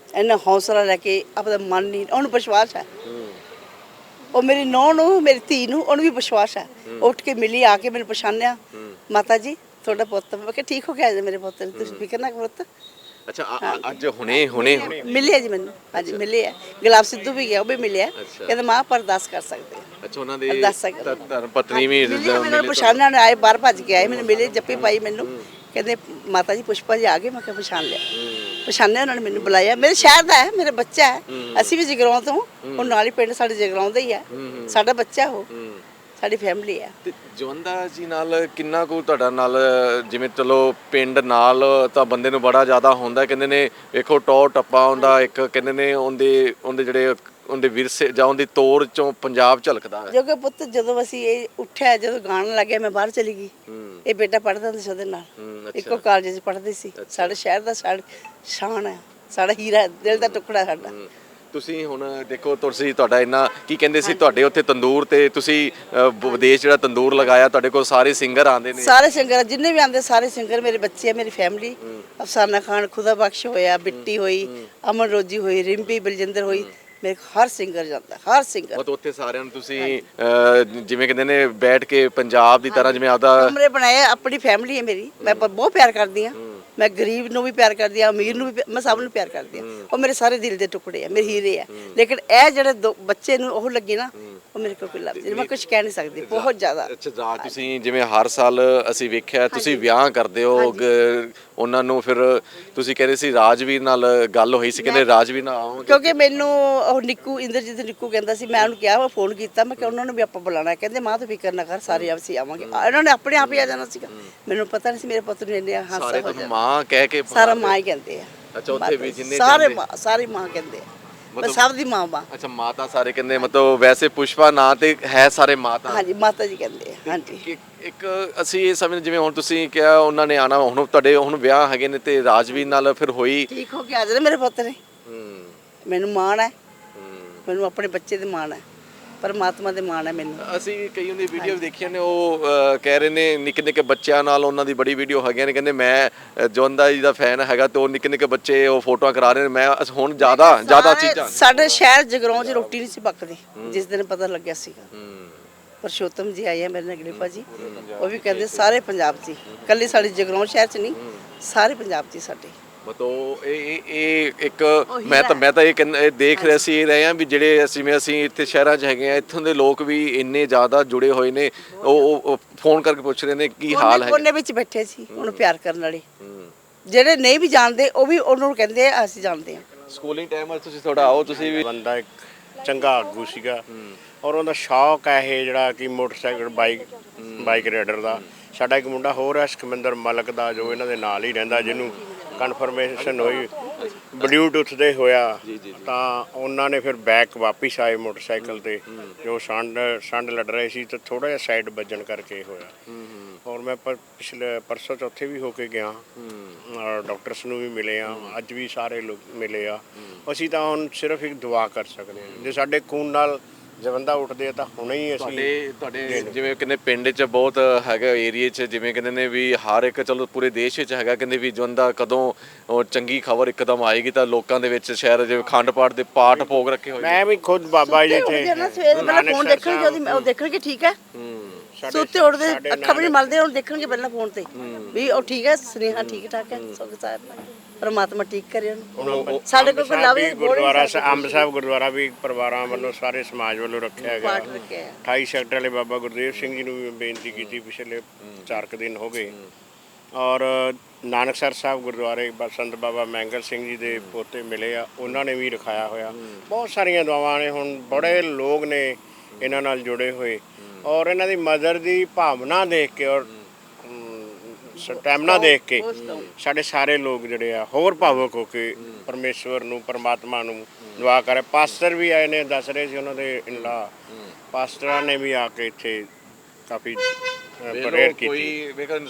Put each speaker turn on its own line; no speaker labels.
ਇੰਨਾ ਹੌਸਲਾ ਲੈ ਕੇ ਆਪਦਾ ਮਨ ਨਹੀਂ, ਉਹਨੂੰ ਵਿਸ਼ਵਾਸ ਹੈ। ਉਹ ਮੇਰੀ ਨੂੰਹ ਨੂੰ, ਮੇਰੀ ਧੀ ਨੂੰ, ਉਹਨੂੰ ਵੀ ਵਿਸ਼ਵਾਸ ਹੈ। ਉੱਠ ਕੇ ਮਿਲੀ, ਆ ਕੇ ਮੈਨੂੰ ਪਛਾਣਿਆ, ਮਾਤਾ ਜੀ ਤੁਹਾਡਾ ਪੁੱਤ। ਮੈਂ ਕਿਹਾ ਠੀਕ ਹੋ ਗਿਆ ਜੀ ਮੇਰੇ ਪੁੱਤ ਨੂੰ, ਤੁਸੀਂ ਫਿਕਰ ਨਾ ਕਰੋ ਪੁੱਤ।
ਅੱਛਾ ਅੱਜ ਹੁਣੇ ਹੁਣੇ
ਮਿਲਿਆ ਜੀ ਮੈਨੂੰ, ਹਾਂਜੀ ਮਿਲਿਆ। ਗੁਲਾਬ ਸਿੱਧੂ ਵੀ ਗਿਆ, ਉਹ ਵੀ ਮਿਲਿਆ। ਕਹਿੰਦਾ ਮਾਂ ਆਪਾਂ ਅਰਦਾਸ ਕਰ ਸਕਦੇ ਹਾਂ।
ਅੱਛਾ ਉਹਨਾਂ ਦੇ
ਅਰਦਾਸ
ਧਰਮ ਪਤਨੀ ਵੀ
ਮੈਨੂੰ ਪਛਾਣਿਆ ਨੇ, ਆਏ ਬਾਹਰ ਭੱਜ ਕੇ ਆਏ, ਮੈਨੂੰ ਮਿਲੇ, ਜੱਫੀ ਪਾਈ ਮੈਨੂੰ, ਕਹਿੰਦੇ ਮਾਤਾ ਜੀ ਪੁਸ਼ਪਾ ਜੀ ਆ ਗਏ। ਮੈਂ ਕਿਹਾ ਪਛਾਣ ਲਿਆ, ਪਛਾਣਿਆ ਉਹਨਾਂ ਨੇ, ਮੈਨੂੰ ਬੁਲਾਇਆ। ਮੇਰੇ ਸ਼ਹਿਰ ਦਾ ਹੈ, ਮੇਰਾ ਬੱਚਾ ਹੈ। ਅਸੀਂ ਵੀ ਜਗਰਾਉਂ ਤੋਂ, ਉਹ ਨਾਲ ਹੀ ਪਿੰਡ ਸਾਡੇ ਜਗਰਾਉਂ ਦਾ ਹੀ ਹੈ, ਸਾਡਾ ਬੱਚਾ ਉਹ, ਸਾਡੀ ਫੈਮਿਲੀ ਹੈ।
ਤੇ ਜਵੰਦਾ ਜੀ ਨਾਲ ਕਿੰਨਾ ਕੁ ਤੁਹਾਡਾ ਨਾਲ, ਜਿਵੇਂ ਚਲੋ ਪਿੰਡ ਨਾਲ ਤਾਂ ਬੰਦੇ ਨੂੰ ਬੜਾ ਜ਼ਿਆਦਾ ਹੁੰਦਾ, ਕਹਿੰਦੇ ਨੇ ਵੇਖੋ ਟੌਰ ਟੱਪਾ ਹੁੰਦਾ ਇੱਕ, ਕਹਿੰਦੇ ਨੇ ਉਹਦੇ ਜਿਹੜੇ ਉਹਦੇ ਵਿਰਸੇ ਜਾਂ ਉਹਦੀ ਤੋਰ ਚੋਂ ਪੰਜਾਬ ਝਲਕਦਾ ਹੈ।
ਜੋ ਕਿ ਪੁੱਤ ਜਦੋਂ ਅਸੀਂ ਇਹ ਉੱਠਿਆ, ਜਦੋਂ ਗਾਣ ਲੱਗਿਆ, ਮੈਂ ਬਾਹਰ ਚਲੀ ਗਈ। ਇਹ ਬੇਟਾ ਪੜ੍ਹਦਾ ਹੁੰਦਾ ਸੀ ਉਹਦੇ ਨਾਲ, ਇੱਕੋ ਕਾਲਜ 'ਚ ਪੜ੍ਹਦੇ ਸੀ। ਸਾਡੇ ਸ਼ਹਿਰ ਦਾ ਸ਼ਾਨ ਹੈ, ਸਾਡਾ ਹੀਰਾ, ਦਿਲ ਦਾ ਟੁਕੜਾ ਸਾਡਾ।
ਤੁਸੀਂ ਹੁਣ ਦੇਖੋ, ਤੁਸੀਂ ਤੁਹਾਡਾ ਇੰਨਾ ਕੀ ਕਹਿੰਦੇ ਸੀ, ਤੁਹਾਡੇ ਉੱਥੇ ਤੰਦੂਰ ਤੇ ਤੁਸੀਂ ਵਿਦੇਸ਼ ਜਿਹੜਾ ਤੰਦੂਰ ਲਗਾਇਆ, ਤੁਹਾਡੇ ਕੋਲ ਸਾਰੇ ਸਿੰਗਰ ਆਉਂਦੇ ਨੇ।
ਸਾਰੇ ਸਿੰਗਰ ਜਿੰਨੇ ਵੀ ਆਉਂਦੇ, ਸਾਰੇ ਸਿੰਗਰ ਮੇਰੇ ਬੱਚੇ ਆ, ਮੇਰੀ ਫੈਮਿਲੀ। ਅਫਸਾਨਾ ਖਾਨ, ਖੁਦਾ ਬਖਸ਼ ਹੋਇਆ, ਬਿੱਟੀ ਹੋਈ, ਅਮਨ ਰੋਜੀ ਹੋਈ, ਰਿੰਪੀ ਬਲਜਿੰਦਰ ਹੋਈ, ਮੇਰੇ ਹਰ ਸਿੰਗਰ ਜਾਂਦਾ, ਹਰ ਸਿੰਗਰ।
ਮਤਲਬ ਉੱਥੇ ਸਾਰਿਆਂ ਨੂੰ ਤੁਸੀਂ ਜਿਵੇਂ ਕਹਿੰਦੇ ਨੇ ਬੈਠ ਕੇ ਪੰਜਾਬ ਦੀ ਤਰ੍ਹਾਂ, ਜਿਵੇਂ ਆਪਦਾ
ਕਮਰੇ ਬਣਾਏ। ਆਪਣੀ ਫੈਮਿਲੀ ਹੈ ਮੇਰੀ, ਮੈਂ ਬਹੁਤ ਪਿਆਰ ਕਰਦੀ ਹਾਂ। ਮੈਂ ਗਰੀਬ ਨੂੰ ਵੀ ਪਿਆਰ ਕਰਦੀ ਹਾਂ, ਅਮੀਰ ਨੂੰ ਵੀ, ਮੈਂ ਸਭ ਨੂੰ ਪਿਆਰ ਕਰਦੀ ਹਾਂ। ਉਹ ਮੇਰੇ ਸਾਰੇ ਦਿਲ ਦੇ ਟੁਕੜੇ ਆ, ਮੇਰੇ ਹੀਰੇ ਆ। ਲੇਕਿਨ ਇਹ ਜਿਹੜੇ ਬੱਚੇ ਨੂੰ ਉਹ ਲੱਗੇ ਨਾ, ਉਹ ਮੇਰੇ ਕੋਲ ਕੋਈ ਲਫ਼ਜ਼ ਨਹੀਂ, ਮੈਂ ਕੁਝ ਕਹਿ ਨਹੀਂ ਸਕਦੀ, ਬਹੁਤ ਜ਼ਿਆਦਾ।
ਅੱਛਾ ਤੁਸੀਂ ਜਿਵੇਂ ਹਰ ਸਾਲ ਅਸੀਂ ਵੇਖਿਆ ਤੁਸੀਂ ਵਿਆਹ ਕਰਦੇ ਹੋ ਉਹਨਾਂ ਨੂੰ, ਫਿਰ ਤੁਸੀਂ ਕਹਿੰਦੇ ਸੀ ਰਾਜਵੀਰ ਨਾਲ ਗੱਲ ਹੋਈ ਸੀ, ਕਹਿੰਦੇ ਰਾਜਵੀਰ ਨਾਲ ਆਓਗੇ।
ਕਿਉਂਕਿ ਮੈਨੂੰ ਉਹ ਨਿੱਕੂ, ਇੰਦਰਜੀਤ ਨਿੱਕੂ ਕਹਿੰਦਾ ਸੀ, ਮੈਂ ਉਹਨੂੰ ਕਿਹਾ, ਮੈਂ ਫੋਨ ਕੀਤਾ, ਮੈਂ ਕਿਹਾ ਉਹਨਾਂ ਨੂੰ ਵੀ ਆਪਾਂ ਬੁਲਾਣਾ। ਕਹਿੰਦੇ ਮਾਂ ਤੂੰ ਫਿਕਰ ਨਾ ਕਰ, ਸਾਰੇ ਅਸੀਂ ਆਵਾਂਗੇ। ਇਹਨਾਂ ਨੇ ਆਪਣੇ ਆਪ ਹੀ ਆ ਜਾਣਾ ਸੀਗਾ, ਮੈਨੂੰ ਪਤਾ ਨਹੀਂ ਸੀ ਮੇਰੇ ਪੁੱਤ ਨੂੰ ਇੰਨੇ ਹਾਸਾ ਹੋ ਜਾਣਾ।
ਮਾਂ ਕਹਿ ਕੇ
ਸਾਰਾ ਮਾਂ ਹੀ ਕਹਿੰਦੇ ਆ।
ਅੱਛਾ ਉੱਥੇ ਵੀ ਜਿੰਨੇ
ਸਾਰੇ ਮਾਂ, ਸਾਰੀ ਮਾਂ ਕਹਿੰਦੇ ਆ, ਮੈਂ ਸਭ ਦੀ ਮਾਂ।
ਅੱਛਾ ਮਾਤਾ ਸਾਰੇ ਕਹਿੰਦੇ, ਮਤਲਬ ਵੈਸੇ ਪੁਸ਼ਪਾ ਨਾਂ ਤੇ ਹੈ ਸਾਰੇ ਮਾਤਾ।
ਹਾਂਜੀ ਮਾਤਾ ਜੀ ਕਹਿੰਦੇ ਆ, ਹਾਂਜੀ।
ਇੱਕ ਅਸੀਂ ਇਹ ਸਮਝ, ਜਿਵੇਂ ਹੁਣ ਤੁਸੀਂ ਕਿਹਾ ਉਹਨਾਂ ਨੇ ਆਣਾ, ਹੁਣ ਤੁਹਾਡੇ ਹੁਣ ਵਿਆਹ ਹੈਗੇ ਨੇ ਤੇ ਰਾਜਵੀਰ ਨਾਲ ਫਿਰ ਹੋਈ,
ਠੀਕ ਹੋ ਕੇ ਆ ਜਾਣਾ ਮੇਰੇ ਪੁੱਤ ਨੇ। ਮੈਨੂੰ ਮਾਣ ਹੈ, ਮੈਨੂੰ ਆਪਣੇ ਬੱਚੇ ਦੇ ਮਾਣ ਹੈ, ਪਰਮਾਤਮਾ ਦੇ ਮਾਣ ਹੈ ਮੈਨੂੰ।
ਅਸੀਂ ਕਈ ਉਹਦੀ ਵੀਡੀਓ ਦੇਖੀਆਂ ਨੇ, ਉਹ ਕਹਿ ਰਹੇ ਨੇ ਨਿੱਕੇ ਨਿੱਕੇ ਬੱਚਿਆਂ ਨਾਲ ਉਹਨਾਂ ਦੀ ਬੜੀ ਵੀਡੀਓ ਹੈਗੀਆਂ ਨੇ, ਕਹਿੰਦੇ ਮੈਂ ਜਵੰਦਾ ਜੀ ਦਾ ਫੈਨ ਹੈਗਾ, ਤੇ ਉਹ ਨਿੱਕੇ ਨਿੱਕੇ ਬੱਚੇ ਉਹ ਫੋਟੋਆਂ ਕਰਾ ਰਹੇ ਨੇ। ਮੈਂ ਹੁਣ ਜ਼ਿਆਦਾ ਚੀਜ਼ਾਂ
ਸਾਡੇ ਸ਼ਹਿਰ ਜਗਰਾਉਂ 'ਚ ਰੋਟੀ ਨਹੀਂ ਸੀ ਪੱਕਦੀ ਜਿਸ ਦਿਨ ਪਤਾ ਲੱਗਿਆ ਸੀਗਾ। ਪਰਸ਼ੋਤਮ ਜੀ ਆਏ ਆ ਮੇਰੇ ਨਾਲ, ਗਲੀਫਾ ਜੀ, ਉਹ ਵੀ ਕਹਿੰਦੇ ਸਾਰੇ ਪੰਜਾਬ 'ਚ, ਇਕੱਲੀ ਸਾਡੇ ਜਗਰਾਉਂ ਸ਼ਹਿਰ 'ਚ ਨਹੀਂ, ਸਾਰੇ ਪੰਜਾਬ 'ਚ ਸਾਡੇ।
ਮਤਲਬ ਇਹ ਇੱਕ ਮੈਂ ਤਾਂ ਇਹ ਦੇਖ ਰਿਹਾ ਸੀ, ਇਹ ਰਹੇ ਆ ਵੀ ਜਿਹੜੇ ਅਸੀਂ ਇੱਥੇ ਸ਼ਹਿਰਾਂ 'ਚ ਹੈਗੇ ਆ, ਇੱਥੋਂ ਦੇ ਲੋਕ ਵੀ ਇੰਨੇ ਜ਼ਿਆਦਾ ਜੁੜੇ ਹੋਏ ਨੇ, ਉਹ ਫੋਨ ਕਰਕੇ ਪੁੱਛ ਰਹੇ ਨੇ ਕੀ ਹਾਲ ਹੈ।
ਕੋਨੇ ਵਿੱਚ ਬੈਠੇ ਸੀ ਉਹਨੂੰ ਪਿਆਰ ਕਰਨ ਵਾਲੇ, ਜਿਹੜੇ ਨਹੀਂ ਵੀ ਜਾਣਦੇ ਉਹ ਵੀ ਉਹਨੂੰ ਕਹਿੰਦੇ ਆ ਅਸੀਂ ਜਾਣਦੇ ਹਾਂ।
ਸਕੂਲਿੰਗ ਟਾਈਮ ਤੁਸੀਂ ਥੋੜਾ ਆਓ, ਤੁਸੀਂ ਵੀ
ਬੰਦਾ ਇੱਕ ਚੰਗਾ ਆਗੂ ਸੀਗਾ, ਔਰ ਉਹਦਾ ਸ਼ੌਕ ਹੈ ਇਹ ਜਿਹੜਾ ਕਿ ਮੋਟਰਸਾਈਕਲ ਬਾਈਕ ਰਾਈਡਰ ਦਾ। ਸਾਡਾ ਇੱਕ ਮੁੰਡਾ ਹੋਰ ਹੈ ਸਿਕੰਦਰ ਮਲਕ ਦਾ, ਜੋ ਇਹਨਾਂ ਦੇ ਨਾਲ ਹੀ ਰਹਿੰਦਾ, ਜਿਹਨੂੰ ਕਨਫਰਮੇਸ਼ਨ ਹੋਈ ਬਲੂਟੁੱਥ ਦੇ ਹੋਇਆ, ਤਾਂ ਉਹਨਾਂ ਨੇ ਫਿਰ ਬੈਕ ਵਾਪਿਸ ਆਏ ਮੋਟਰਸਾਈਕਲ ਤੇ, ਜੋ ਸੰਡ ਲੜ ਰਹੇ ਸੀ ਤੇ ਥੋੜਾ ਜਿਹਾ ਸਾਈਡ ਵੱਜਣ ਕਰਕੇ ਹੋਇਆ। ਔਰ ਮੈਂ ਪਿਛਲੇ ਪਰਸੋਂ ਚੌਥੇ ਵੀ ਹੋ ਕੇ ਗਿਆ, ਔਰ ਡਾਕਟਰਸ ਨੂੰ ਵੀ ਮਿਲੇ ਆ, ਅੱਜ ਵੀ ਸਾਰੇ ਲੋਕ ਮਿਲੇ ਆ। ਅਸੀਂ ਤਾਂ ਹੁਣ ਸਿਰਫ ਇੱਕ ਦੁਆ ਕਰ ਸਕਦੇ ਹਾਂ, ਜੇ ਸਾਡੇ ਖੂਨ ਨਾਲ ਜਵੰਦਾ ਉੱਠਦੇ ਆ ਤਾਂ ਹੁਣੇ ਹੀ ਅਸੀਂ
ਤੁਹਾਡੇ ਜਿਵੇਂ ਕਹਿੰਦੇ ਪਿੰਡ 'ਚ ਬਹੁਤ ਹੈਗਾ ਏਰੀਏ 'ਚ, ਜਿਵੇਂ ਕਹਿੰਦੇ ਨੇ ਵੀ ਹਰ ਇੱਕ, ਚਲੋ ਪੂਰੇ ਦੇਸ਼ ਵਿੱਚ ਹੈਗਾ, ਕਹਿੰਦੇ ਵੀ ਜਵੰਦਾ ਕਦੋਂ ਉਹ ਚੰਗੀ ਖਬਰ ਇੱਕਦਮ ਆਏਗੀ ਤਾਂ ਲੋਕਾਂ ਦੇ ਵਿੱਚ ਸ਼ਹਿਰ ਜਿਵੇਂ ਅਖੰਡ ਪਾਠ ਦੇ ਪਾਠ ਭੋਗ ਰੱਖੇ ਹੋਏ।
ਮੈਂ ਵੀ ਖੁਦ ਬਾਬਾ ਜੀ
ਸਵੇਰੇ ਪਹਿਲਾਂ ਫੋਨ ਦੇਖਣਗੇ, ਉਹ ਦੇਖਣਗੇ ਠੀਕ ਹੈ, ਸੁੱਤੇ ਉੱਠਦੇ ਅੱਖਾਂ ਵੀ ਨਹੀਂ ਮਲਦੇ, ਉਹਨੂੰ ਦੇਖਣਗੇ ਪਹਿਲਾਂ ਫੋਨ ਤੇ ਵੀ ਉਹ ਠੀਕ ਹੈ, ਸੁਨੇਹਾ ਠੀਕ ਠਾਕ ਹੈ, ਸੁਖ ਸਾਹਿਬ ਪਰਮਾਤਮਾ ਠੀਕ ਕਰੇ ਉਹਨੂੰ। ਸਾਡੇ ਕੋਲ ਲਾਵੇ
ਗੁਰਦੁਆਰਾ ਅੰਬ ਸਾਹਿਬ ਗੁਰਦੁਆਰਾ ਵੀ ਪਰਿਵਾਰਾਂ ਵੱਲੋਂ, ਸਾਰੇ ਸਮਾਜ ਵੱਲੋਂ ਰੱਖਿਆ ਗਿਆ। 28 ਸੈਕਟਰ ਵਾਲੇ ਬਾਬਾ ਗੁਰਦੇਵ ਸਿੰਘ ਜੀ ਨੂੰ ਵੀ ਬੇਨਤੀ ਕੀਤੀ, ਪਿਛਲੇ 4 ਦਿਨ ਹੋ ਗਏ। ਔਰ ਨਾਨਕਸਰ ਸਾਹਿਬ ਗੁਰਦੁਆਰੇ ਸੰਤ ਬਾਬਾ ਮੈਂਗਲ ਸਿੰਘ ਜੀ ਦੇ ਪੋਤੇ ਮਿਲੇ ਆ, ਉਹਨਾਂ ਨੇ ਵੀ ਰਖਾਇਆ ਹੋਇਆ। ਬਹੁਤ ਸਾਰੀਆਂ ਦੁਆਵਾਂ ਨੇ, ਹੁਣ ਬੜੇ ਲੋਕ ਨੇ ਇਹਨਾਂ ਨਾਲ ਜੁੜੇ ਹੋਏ, ਔਰ ਇਹਨਾਂ ਦੀ ਮਦਰ ਦੀ ਭਾਵਨਾ ਦੇਖ ਕੇ ਔਰ ਸਟੈਮਨਾ ਦੇਖ ਕੇ ਸਾਡੇ ਸਾਰੇ ਲੋਕ ਜਿਹੜੇ ਆ ਹੋਰ ਭਾਵੁਕ ਹੋ ਕੇ ਪਰਮੇਸ਼ਵਰ ਨੂੰ, ਪਰਮਾਤਮਾ ਨੂੰ ਦੁਆ ਕਰੇ। ਪਾਸਟਰ ਵੀ ਆਏ ਨੇ, ਦੱਸ ਰਹੇ ਸੀ ਉਹਨਾਂ ਦੇ ਇਨਲਾ ਪਾਸਟਰਾਂ ਨੇ ਵੀ ਆ ਕੇ ਇੱਥੇ ਕਾਫੀ ਪ੍ਰੇਅਰ ਕੀਤੀ।
ਕੋਈ ਵੇਖੋ